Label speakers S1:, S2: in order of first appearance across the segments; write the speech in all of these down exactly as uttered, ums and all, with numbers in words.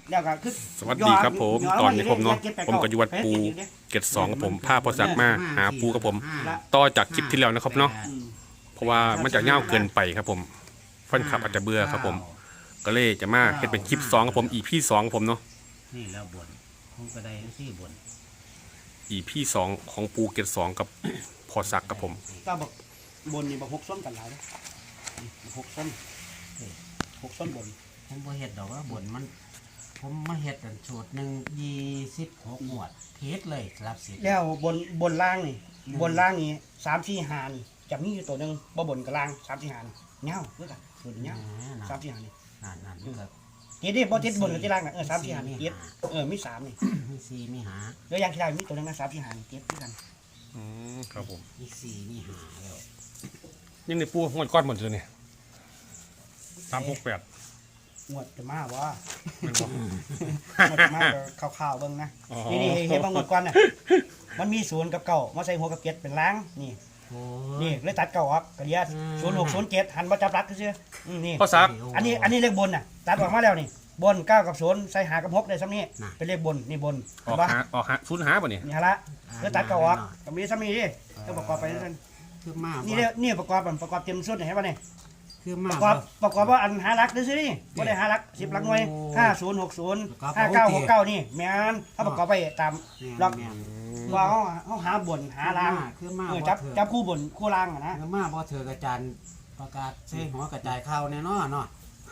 S1: แล้วก็คือ
S2: สวัสดีครับผมตอนนี้ผมเนาะผมก็อยู่วัดปูเกตสองกับผมพาพอสักมาหาปูกับผมต่อจากคลิปที่แล้วนะครับเนาะเพราะว่ามันจะเง่าเกินไปครับผมฟันขับอาจจะเบื่อครับผมก็เลยจะมาเฮ็ดเป็นคลิปสองกับผมอีพีสองกับผมเนาะ
S3: นี่แล้วบนผมก็ได้ที่บน
S2: อีพีสองของปูเกตสองกับพอสักกับผม
S1: ก็บอกบนนี่บอกหกส้นกันหลายเลยหกส้นหกส้นบน
S3: ผมบ่เฮ็ดดอกว่าบนมันผมมาเฮ็ดอันสูตรหนึ่งยี่สิบหกหมวดเทสเลยรับสิ
S1: แล้วบนบนล่างนี่บนล่างนี่สามสี่หานี่จะมีอยู่ตัวหนึ่งบ่บนกับล่างสามสี่หานี่เงาด้วยกันส่วนเงาสามสี่หานี่
S3: นั่นนั่นครับ
S1: เจ็ดดิบ่เจ็ดบนกับเจ็ดล่างน่ะเออสามสี่หานี่เจ็ดเออมีสามนี่
S3: มีสี่มีหา
S1: แล้วยังที่ได้มีตัวหนึ่งนะสามสี่หานี่เจ็ดด้วยกัน
S2: อืมครับผม
S3: มีสี่มีหาแล้ว
S2: ยังในปูงวดก้อนหมดเลยเนี่ยสามหกแปด
S1: งวดจะมาว่าหมดมาข่าวๆเบิ่งนะนี่นี่เห็นบางงวดก่อนน่ะมันมีศูนย์กับเก้ามาใส่หัวกับเจ็ดเป็นล้างนี่นี่เลยตัดเก้าออกกระเดียดศูนย์หกศูนย์เจ็ดหันมาจับรักก็เชื่อนี่
S2: พอสัก
S1: อันนี้อันนี้เลขบนน่ะตัดออกมาแล้วนี่บนเก้ากับศูนย์ใส่หากับหกได้ซ้ำนี่เป็นเลขบนนี่บน
S2: ออกหาออกหาศูนย์หาป่ะเนี่ย
S1: นี่ฮะละแล้วตัดเก้าออกก็มีซ้ำนี่ดิก็ประกอบไปนั่น
S3: คือมา
S1: นี่นี่ประกอบประกอบเต็มสุดเห็นป่ะเนี่ย
S3: คือ
S1: มาประกอบประกอบว่าอันหารักซื้อนี่ก็ได้หารักสิบหลักหน่วยห้าศูนย์หกศูนย์ห้าเก้าหกเก้านี่แม่นถ้าประกอบไปตามล็อกว่าเขาเขาหาบนหาล่าง
S3: คือมา
S1: จับจับคู่บนคู่ล่างนะ
S3: คือมาพอเธอกระจายประกาศใช้หัวกระจายข้าวแน่นอนเนาะ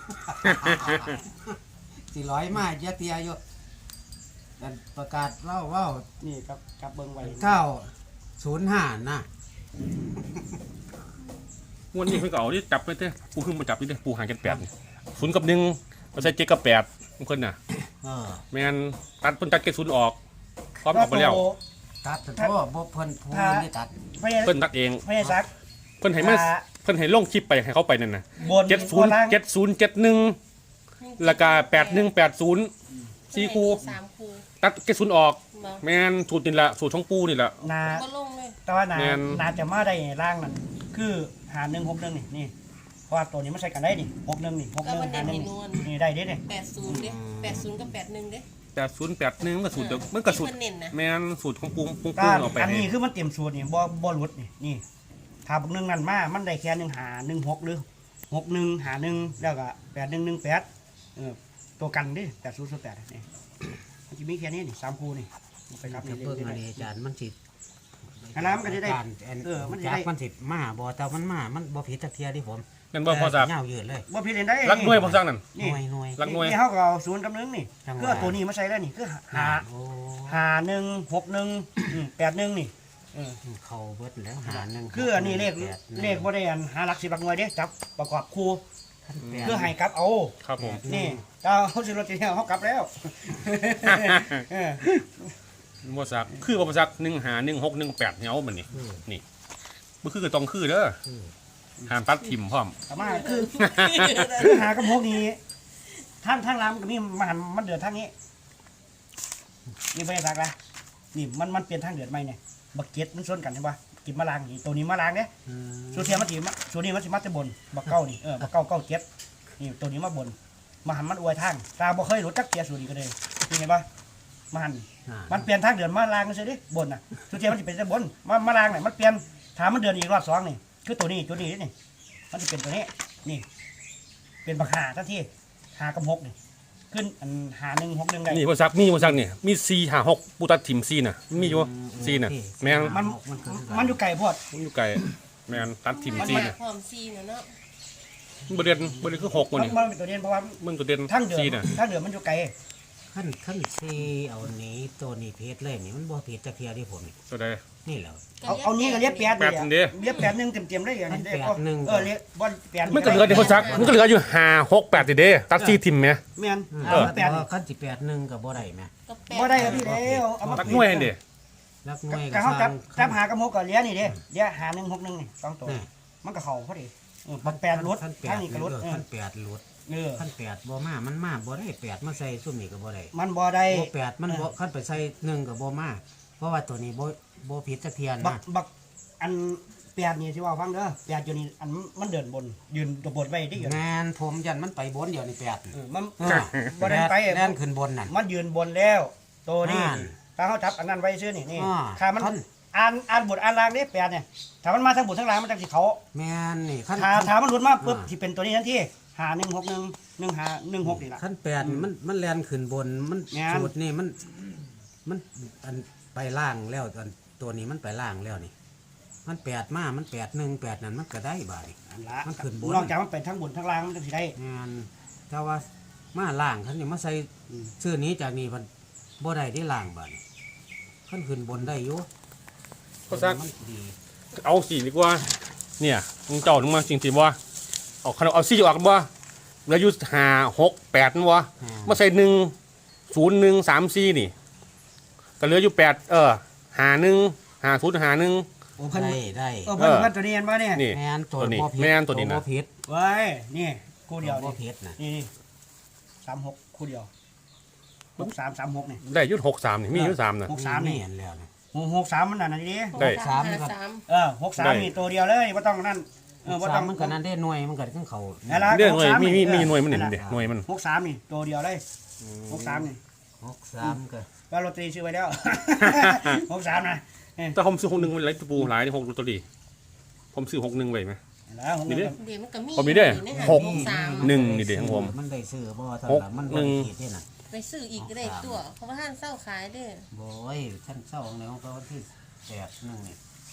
S3: สี่ร้อยมาเยอะเตียอยู่กันประกาศเล่าว่า
S1: นี่ครับจับเบิ้งไว้
S3: เก้าศูนย์ห้านะ
S2: วันนี้เพิ่งเก่าที่จับไปเต้ปูขึ้นมาจับนี่เต้ปูหางกันแปดศูนย์กับหนึ่งมาใส่เจ็ดกับแปดทุกคนน่ะแมนตัดเพิ่นตัดเกศศูนย์ออกพร้อมออกไปแล้ว
S3: ตัดแต่ว่าบ่เพิ่นพูนนี่ตัด
S2: เพิ่นตัดเอง
S1: ไม่ใช่ซัก
S2: เพิ่นให้มาเพิ่นให้ลงคลิปไปให้เขาไปนั่นน่ะเจ็ดศูนย์เจ็ดศูนย์เจ็ดหนึ่งราคาแปดหนึ่งแปดศูนย์สี่คูตัดเกศศูนย์ออกแมนสูตรนี่แหละสูตรช่องปูนี่แหละ
S1: นาแต่ว่านานาจะมาได้ร่างนั่นคือหาหนึ่งหกหนึ่งนี่นี่เพราะว่าตัวนี้มันใช้กันได้นี่หกหนึ่งนี่หกหนึ่งหาหนึ่งนี่ได้เด้เนี่ย
S4: แปดศูนย์เด้แปดศูนย์กับแปดหนึ่งเด้
S2: แปดศูนย์แปดหนึ่งก็สูตรเดียวมันก็สูตรแมนสูตรของปูปูปูออกไป
S1: อันนี้คือมันเต็มสูตรนี่บ่บ่หลุดนี่นี่ถ้าพวกหนึ่งนั่นมามันได้แค่หนึ่งหาหนึ่งหกหรือหกหนึ่งหาหนึ่งแล้วก็แปดหนึ่งหนึ่งแปดเออตัวกันดิแปดศูนย์ศูนย์แปดนี่มันจะมีแค่นี้นี่สามคู่นี่
S3: ไปครับเพิ่งมาอาจารย์มันสิ
S1: น้ำก็จะได้
S3: เออมันจะได้มันสิมาบ่แต่มันมามันบ่ผิดจักเทียดิผม
S2: นั่นบ่พอสัก
S3: เงายืดเลย
S1: บ่ผิดได้
S2: รักหน่วยพอสักนั่น
S3: หน่วยหน่วย
S2: รักหน่วย
S1: นี่เขาก็เอาศูนย์กับหนึ่งนี่เพื่อตัวนี้มาใช้ได้นี่คือหาหาหนึ่งหกหนึ่งแปดหนึ่งนี่
S3: เข้าเบิดแล้วหาหนึ่ง
S1: คืออันนี้เลขเลขบ่ได้อันหาหลักสิบหลักหน่วยเด้จับประกอบคู่เพื่อให้กลับเอา
S2: ครับผม
S1: นี่เราเขาสิรถจะเขากลับแล้ว
S2: พอสักคือพอสักหนึ่งหาหนึ่งหกหนึ่งแปดเงาเหมือนนี่นี่มันคือต้องคือเด้อหามตัดทิมพร้อม
S1: สามารถคือหากระพกนี้ท่านท่านรำก็มีมันมันเดือดทางนี้นี่ไม่ได้สักละนี่มันมันเปลี่ยนทางเดือดไหมเนี่ยบักเก็ตมันส่วนกันใช่ปะกินมะลางนี่ตัวนี้มะลางเนี่ยส่วนเทียมมันถีมส่วนนี้มันสิมัดจะบนบักเก้านี่เออบักเก้าเก้าเก็ตนี่ตัวนี้มาบนมาหันมันอวยทางตาบ่เคยรู้จักเกียร์ส่วนนี้ก็เลยนี่ไงปะมาหันมันเปลี่ยนทางเดือดมาลางกันเฉยดิบนน่ะส่วนเทียมมันจะเป็นจะบนมามาลางเนี่ยมันเปลี่ยนถามมันเดือนอีกรอบสองนี่คือตัวนี้ตัวนี้นี่มันจะเป็นตัวนี้นี่เป็นบักหาทันทีหากำหกนี่ขึ้นอันหาหนึ่งหกหนึ่งได้
S2: นี่พอสักมีพอสักเนี่ยมีซีหาหกปูตัดทิมซีน่ะมีอยู่ซีน่ะแมง
S1: มันมันอยู่ไก่พอด
S2: มันอยู่ไก่แมงตัดทิมซีน่ะ
S4: หอมซีเนาะ
S2: บริเวณบริเวณคือหกมันนี่
S1: มันเป็นตัวเด่นเพราะว่า
S2: มันตัวเด่น
S1: ทั้งเดือดทั้งเดือดมันอยู่ไก่
S3: ขั้นขั้นซีเอานี้ตัวนี้เพชรเลยนี่มันบ่เพชรจะเพียที่ผม
S2: ตัวใด
S3: นี่แหละ
S1: เอาเอานี้ก็เรียบแปด
S2: แปดเดียว
S1: เรียบแปดหนึ่งเต็มเต็มได้อย่างนี้
S3: แปดหนึ่ง
S1: เออเรียบบอลแปด
S2: มันก็เหลือเดี๋ยวเขาซักมันก็เหลืออยู่ห้าหกแปดเดียวตัดซีทิมไหม
S1: แม่น
S3: เออแปดขั้นสิแปดหนึ่งกับบ่ได้ไหม
S1: บ่ได้ครับพี่เดียวเอามา
S2: ตักหน่วยเดียว
S3: รักหน่วย
S1: กับเขาจับจับหากระโมกกับเลี้ยนี่เดียวเลี้ยหาหนึ่งหกหนึ่งนี่สองตัวมันก็เข่าพอดีมันแปดรถทั้งนี้ก็รถ
S3: ขั้นแปดรถขั้นแปดบ่มามันมาบ่ได้แปดมาใส่ซุ่มนี่กับบ่ได้
S1: มันบ่ได้
S3: บ่แปดมันบ่ขั้นไปใส่หนึ่งกับบ่มาเพราะว่าตัวนี้บ่บ่ผิดจักเทียนนะ
S1: บักอันแปดนี่ที่ว่าฟังเด้อแปดอยู่นี่อันมันเดินบนยืนตัวบนไว้ที่อยู่
S3: แมนผมยันมันไปบนเดี๋ยวนี่แปด
S1: เออมัน
S3: เออ
S1: บ่ได้ไป
S3: แล่นขึ้นบนนั่น
S1: มันยืนบนแล้วตัวนี้
S3: อ่า
S1: ถ้าเขาจับอันนั้นไว้ซื่อนี่นี่
S3: อ่า
S1: ถ้ามัน
S3: ท่าน
S1: อ่านอ่านบทอ่านล่างนี่แปดเนี่ยถ้ามันมาทั้งบททั้งล่างมันจะสิเขา
S3: แมนนี่ขั้น
S1: ถ้าถ้ามันหลุดมาปุ๊บ
S3: อ่า
S1: สิเป็นตัวนี้ทันทีหาหนึ่งหกหนึ่งหนึ่งหาหนึ่งหกนี่ล่ะ
S3: ขั้นแปดนี่มันมันแล่นขึ้นบนมัน
S1: แม่น
S3: สูตรนี่มันมันอันไปล่างแล้วอันตัวนี้มันไปล่างแล้วนี่ มันแปดมามันแปดหนึ่งแปดนั่นมันก็ได้บาดนี่
S1: อันละ
S3: มันขึ้นบน
S1: นอกจากมันเป็นทั้งบนทั้งล่างมันจะสิได้
S3: งานถ้าว่ามาล่างขันนี่มาใส่ชื่อนี้จากนี้มันบ่ได้ได้ล่างบาดนี่ขันขึ้นบนได้อยู่
S2: พ่อซัก
S3: มันดี
S2: เอาสี่ดีกว่าเนี่ยมึงเจ้านึงมาจริงๆว่าเอาขนมเอาสี่ออกกันบ่แล้วอยุห้าหกแปดนั่นวะมาใส่หนึ่งศูนย์หนึ่งสามสี่นี่ก็เหลืออยู่แปดเออหาหนึ่งหาศูนย์หาหนึ่ง
S1: โอ้เพิ่น
S3: ได้ได้
S1: เออเพิ่น
S2: เออ
S1: เพิ่นตัวนี้เห็นบ่เนี่ย
S2: นี่
S3: แม่นตัว
S2: ตัวนี้
S3: บ่ผิด
S2: แม่นตัวนี้นะ
S3: บ่ผิด
S1: เว้ยนี่คู่เดียว
S3: บ่
S1: นี่
S3: ผิดนะ
S1: นี่นี่สามหกคู่เดียวหกสามสามหกนี่
S2: ได้อยุดหกสามนี่มีอยุดสามนะ
S1: หกสามนี่
S3: เห็นแล้วนะ
S1: หกหกสามมันนั่นนะดิ
S2: ได้
S3: สาม
S4: ห้
S3: ครับ
S4: สาม
S1: เออหกสาม
S2: ได้
S1: นี่ตัวเดียวเลยไม่ต้องนั่นเออไม่
S3: สา
S1: ต้อ
S3: ม
S1: ง
S3: มันก็นั่นได้หน่วยมันก็ขึ้นเขา
S1: นั่นละ
S2: เรื่องหน่วย
S1: หกสา
S2: มีมีมี
S1: เออ
S2: หน่วยมันหนึ่ง
S1: นั่น
S2: เด็
S1: ล่ะ
S2: หน่วยมัน
S1: หกสามนี่ตัวเดียวเลยหกสามนี่
S3: หกสามก็
S1: ว่าโรตีซื้อไว้แล้ว หกสามนะเออ
S2: แต่ผมซื้อหกหนึ่งมันไรปูหลายที่หกตัวดีผมซื้อหกหนึ่งไว้ไหม
S1: แล้วหกหนึ่ง
S2: นี่ดิ
S4: เดี๋ยวมันก็มี
S2: ผมมีเด้อ
S4: อยู่ใน
S2: หก
S4: สาม
S2: หนึ่งนี่เด็ของผม
S3: มันได้ซื้อบ่เท่า
S2: หก
S3: นั้นมัน
S2: หนึ่
S3: บ่
S2: ง
S3: ผิดเด้น่ะ
S4: ไปซื้ออีกก็ได้ตัวเพราะว่าท่านเศร้าขายเด้อ
S3: โอ้ยท่านเศร้าของในของเขาที่แปดหนึงนี่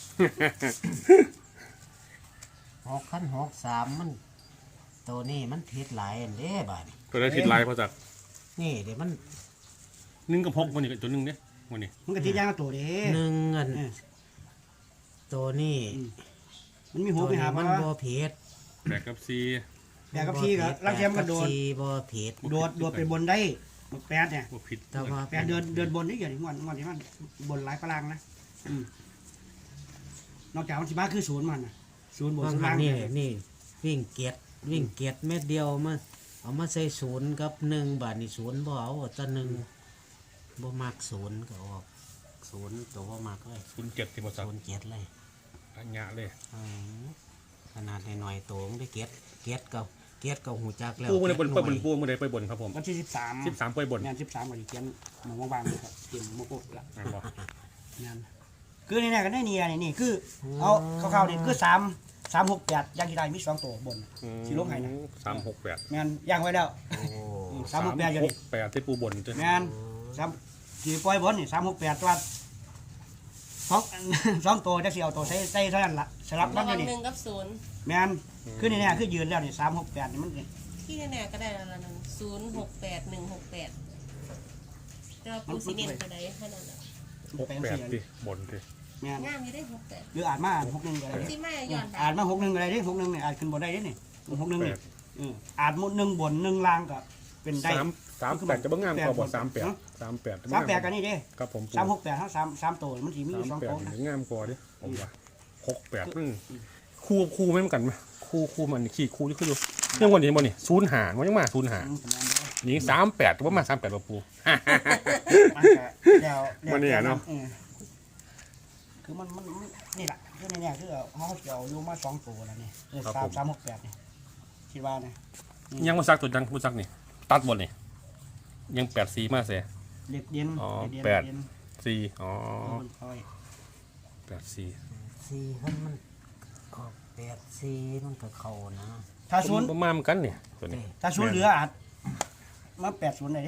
S3: หกขั้นหกสามมันตัวนี้มันผิดหลายอันเด้บาดนี่
S2: ตัวได้ทิศลายพอจาก
S3: นี่เดี๋ยวมัน
S2: หนึ่งกับหกวันนี้ตัวหนึ่งเนี่ยวันนี้
S1: มันก็ติดยางกับตัวเด้
S3: หนึ่งอัน
S1: เออ
S3: ตัวนี้
S1: มันมีหั
S3: ตัว ว
S1: มี
S3: นี้
S1: หาง
S3: มั
S1: มัน น
S3: บ่ผิด
S2: แปดกับสี่
S1: แต่กับพี่ก็ลังเทียมกระโดด
S3: แปกับสี่บ่ผิด
S1: โดดโดดไปบนได้แปดเนี่ย
S2: ว่าผิด
S3: แต่ว่า
S1: แปดเดินเดินบนนี่อย่างนี้วันวันที่มันบนหลายพลังนะอืมนอกจากมันสิมาคือศูนย์มันน่ะศูนย์บน
S3: บาง
S1: ศูนย์
S3: ครั้
S1: ล่าง ง
S3: นี่
S1: เนี่ย
S3: นี่วิ่งเกียรวิ่งเกียรเม็ดเดียวมาเอามาใส่ศูนย์กับหนึ่งบาทนี่ศูนย์บ่เอาแต่หนึ่งบ่มักศูนย์ก็ออกศูนย์ตัวบ่มักเลย
S2: ศูนย์เจ็ดที่พอจาก
S3: ศูนย์เกียรเลย
S2: อันยะเลย
S3: อืมขนาดหน่อยๆตัวมันได้เกียรเกียรก็เกียรก็หูจักแล้ว
S2: ปูมันได้บน
S3: เกี
S2: ไป
S3: ยร
S2: บน
S3: หน่วย
S2: ปูมันได้ไปบนครับผม
S1: วันที่สิบสาม
S2: สิบสามไปบน
S1: งานสิบสามวันนี้เขียนหมองบางๆเลยครับเขียนโมโกะละ
S2: อ่าบอก
S1: งานคือนี่เนี่ยก็ได้เนียนี่นี่คือเอาคร่าวๆนี่คือสามสามหกแปดย่างที่ได้มีสองตัวบน สิลงให้นะ
S2: สามหกแปด
S1: งานย่างไว้แล้ว
S3: โอ้
S1: สามหกแปดอยู่
S2: ห
S1: นี่
S2: กแปดที่ปูบนจ้ะ
S1: งานสามสี่ปล่อยบนนี่สามหกแปดตัวสอง สองตัวจะเสียวตัวใส่ใส่เท่านั้นละสลับมั
S4: ระ
S1: นอ
S4: วั
S1: ยู่
S4: ง
S1: นี่
S4: หนึ่งกับศูนย์
S1: แมนคือนี่เนี่ยคือยืนแล้วนี่สามหกแปดนี่มันนี่
S4: ที่แน่ๆก็ได้แล้วละหนึ่งศูนย์หกแปดหนึ่งหกแปดแต่ว่าปูสีเนียนก็ได้แค่นั้นแหละ
S2: หก
S1: แปด
S2: แปด
S1: สี่
S2: ที่บนที่
S1: แมน
S4: งามอยู่ได้หกแปด
S1: หรืออ่านมาอ่านหกหนึ่งก็ได้
S4: ที่แม่ย้อนไป
S1: อ่านมาหกหนึ่งก็ได้ดิหกหนึ่งเนี่ยอ่านขึ้นบนได้ดินี่หกหนึ่งนี่เอออ่านหมดหนึ่งบนหนึ่งล่างก็เป็นได้
S2: สามสามแปดจะบ้างงามกว่าบอกสามแปด
S1: เนอะ
S2: สามแปด
S1: สามแปดกันนี่ดิ
S2: ครับผม
S1: สามหกแปดทั้งสามสามตัวมันสีมีอยู่
S2: สาม
S1: สอง
S2: แปด
S1: ตัวนะ
S2: งามกว่าดิผมว่าหกแปดมันคู่คู่ไม่เหมือนกันไหมคู่คู่มันขี่คู่ที่คืออยู่เรื่องวันนี้บนนี่ศูนย์หารมันยังมาศูนย์หาร
S1: อืมประมาณนี้
S2: ยิงสามแปดว่ามาสามแปดว่าปู
S1: มันก็แล้วแล้ว
S2: มันเนี่ยเนอะ
S1: ออคือมันมันมันนี่แหละคือในเนี่ยคือเขาเกี่ยวอยู่มาสองตัวแล้วนี่เออสามสามหกแปดนี่คิดว่าเนี่ย
S2: ยังมาซักตัวจังมาซักนี่ตัดบนนี่ยังแปดสีมาเสีย
S1: เด็กเย็น
S2: อ๋อ
S1: เด็กเย็น
S2: แปด
S1: เย็น
S2: สี่อ๋อ
S1: เออมันคอย
S2: แปดสี่
S3: สี่ขั้นมันออกแปดสี่มันก็เข้านะ
S1: ถ้าศูนย์
S2: ประมาณเหมือนกันเนี่ยตัวนี้
S1: ถ้าศูนย์เหลืออาจมาแปดศูนย์เลยดิ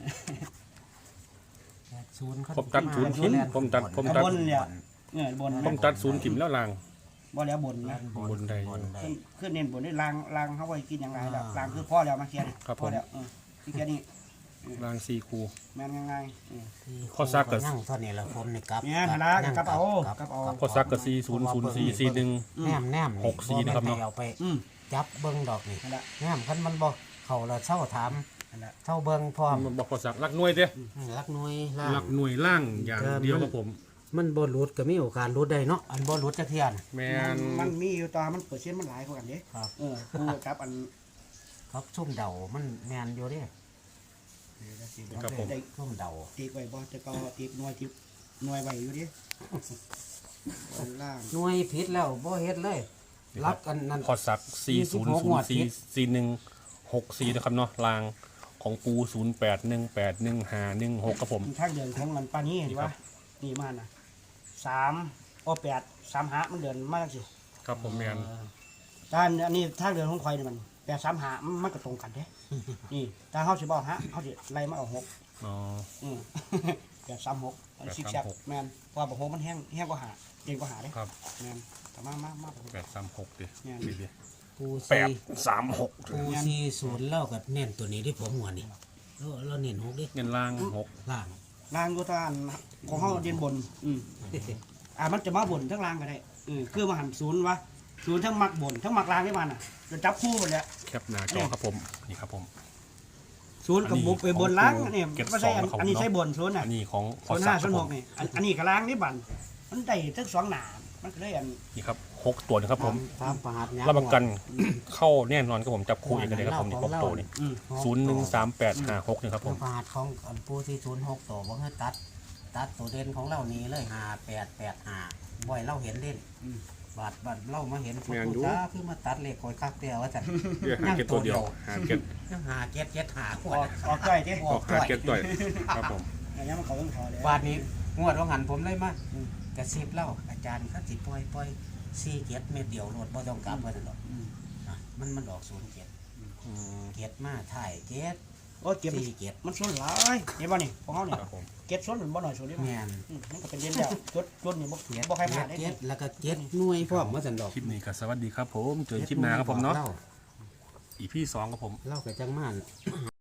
S3: แปดศูนย์ขั้น
S2: ผมตัดศูนย์ทิ้งผมตัดผม
S1: เอาบนเนี่ยเนี่ยบน
S2: ผมตัดศูนย์ถิ่มแล้วลาง
S1: บ่แล้วบน
S3: ด้า
S1: นะ
S3: น
S2: บนใด
S3: บนใด
S1: ขึ้นขึ้นเน้นบนได้ลางลางเขาไว้กินยังไงล่ะ
S3: อ่า
S1: ลางคือพ่อแล้วมาเคลียร์นี่
S2: ครับ
S1: พ่อ
S2: ผม
S1: แล้วเออที่แค่นี้
S2: ลางสี่คู
S1: แม่นยังไงเออ
S3: ที่
S2: ข้อซักก็
S3: นั่งเท่านี้ละผมนี่กลับ
S1: เนี่ยฐานะกลับเอากลับเอา
S2: พอซักกับสี่ศูนย์ศูนย์สี่สี่หนึ่ง
S3: แนมแนม
S2: หกสี่นะครับเนาะ
S3: เอาไป
S1: อืม
S3: จับเบิ้งดอกนี่
S1: นั่นแหละ
S3: แนมคันมันบ่เข้าแล้วเช่าถาม
S1: นั่นแหละ
S3: เช่าเบิ้งพร้อม
S2: มันบอกพอซักรักหน่วยเด้
S3: รักหน่วยล่า
S2: รั
S3: ง
S2: กหน่วยล่างอย่างเดียวกับผม
S3: มันบ่หลุดก็มีโอกาสหลุดได้เนาะอันบ่หลุดจักเที่ยน
S2: แม
S1: มัน
S2: น
S1: มันมีอยู่ตอนมันเปอร์เซ็นต์มันหลายกว่ากันเด้
S3: ครับ
S1: เออกูครับอัน
S3: ครับซุ่มเดามันแม่นอยู่เด้
S2: ครับผม
S1: ได้
S3: ซุ่มเดา
S1: ตีไว้บ่แต่ก็ตีหน่วยตีหน่วยไว้อยู่ดิล่าง
S3: หน่วยผิดแล้วบ่เฮ็ดเลยรักอันนั้น
S2: พอสักสี่ศูนย์ศูนย์สี่สี่หนึ่งหกสี่นะครับเนาะลางของปูศูนย์แปดหนึ่งแปดหนึ่งห้าหนึ่งหกครับผม
S1: ทางเดินของมันปานนี้เห็นปะนี่มาน่ะสามโอแปดสามหามันเดินมากสิ
S2: ครับผมแมน
S1: ด้านอันนี้ทางเดินของควายนี่มันแปดสามหามันก็ตรงกันเด้ นี่ถ้าเขาสิบอกฮะเขาสิไล่มาเอาหก
S2: อ๋อ
S1: อืม แปดสามหกอันซิกแซกแมนเพราะว่าบอกหกมันแห้งแห้งกว่าหาเก่งกว่าหาเด้
S2: ครับ
S1: แมนแต่มามามา
S2: แปดสามหกดิ
S1: แม่น
S2: ดิดิ
S3: ปู
S2: แป
S3: ซี
S2: ดสามหก
S3: ปูซีศูนย์เล่ากับเน้นตัวนี้ที่ผมหัวนี่แล้วเราเน้นหกดิ
S2: เงินล่างหก
S3: ล่าง
S1: ล่างก็ตานของเขาเดียนบน อืมอ่ามันจะมาบนทั้งล่างก็ได้อืมคือมาหันศูนย์วะศูนย์ทั้งมักบนทั้งมักล่างได้มันอ่ะจะจับคู่หมดเลย
S2: แคปหน้าจอครับผมนี่ครับผม
S1: ศูนย์กับบุกไปบนล่างอันนี้
S2: เก็บ
S1: ไม่ใช่อัน
S2: สองของ
S1: อันนี้
S2: เนาะ
S1: ใช่บนศูนย์อ่ะ
S2: อันนี้ของพ
S1: ศู
S2: อน
S1: ย์
S2: สั
S1: ห้าก
S2: ค
S1: ศู
S2: รับ
S1: นย์
S2: ผ
S1: หก
S2: ม
S1: นี่อันอันนี้กับล่างนี่บันมันได้ทั้งสองหนามันก็เลยอัน
S2: นี่ครับหกตัวนะครับผม
S3: ตามประหัตยา
S2: รับประกันเข้าแน่นอนครับผมจับคู่เองกันเลยครับผมนี่หกตัวนี่
S1: อืม
S2: ศูนย์หนึ่งสามแปดห้าหกนี่ครับผ
S3: ตาม มประหัตของอันปูซีศูนย์หกตัวบ่ให้ตัด ตัดตัวเด่นของเรานี้เลยห้าแปดแปดห้าบ่อยเราเห็นเด่นบาดบาดเรามาเห็นปูจ้าคือมาตัดเลขคอยคักเดียวว่าจัน
S2: เดี๋ยวหาเก็ตตัวเดียวหาเก็ต
S3: ยังหาเก็ดเก็ดหาขว
S1: อ
S3: ด
S1: อกออกจ้อยเจ๊
S2: ออกหาเก็ตด้วยครับผม
S1: อันนี้มันเขาต้องขอเลย
S3: บาดนี้งวดว่าหันผมเลยมากระซิบเล่าอาจารย์เขาสิปล่อยปล่อยสี่เก็ดเม็ดเดียวโลดบ่ต้องกลับว่าซั่นหรอก
S1: อืม
S3: อ่ะมันมันออกศูนย์เก็ด
S2: อืม
S3: เก็ดมาถ่ายเก็ด
S1: โอ้ยเก็บ
S3: สี่เก็ด
S1: มันส้นหลายเห็นป่ะนี่ของเขาเนี่ย
S2: ครับผม
S1: เก็บส้นหรือบ่หน่อยส้นได้ไหม
S3: แม่น
S1: อืมมันก็เป็นเด่นแล้วจดจดนี่บ่
S3: เก็ด
S1: บ่ใครผ่านได้
S3: เก็
S1: เนี่
S3: ด
S1: ย
S3: แล้วก็เก็ดหน่วยพร้อมว่าซั่นดอก
S2: คลิปนี้ก็สวัสดีครับผมเจอคลิปหน้าครับผมเนาะ
S3: ล่
S2: อีพี่สองครับผม
S3: เล่ากับจังมาน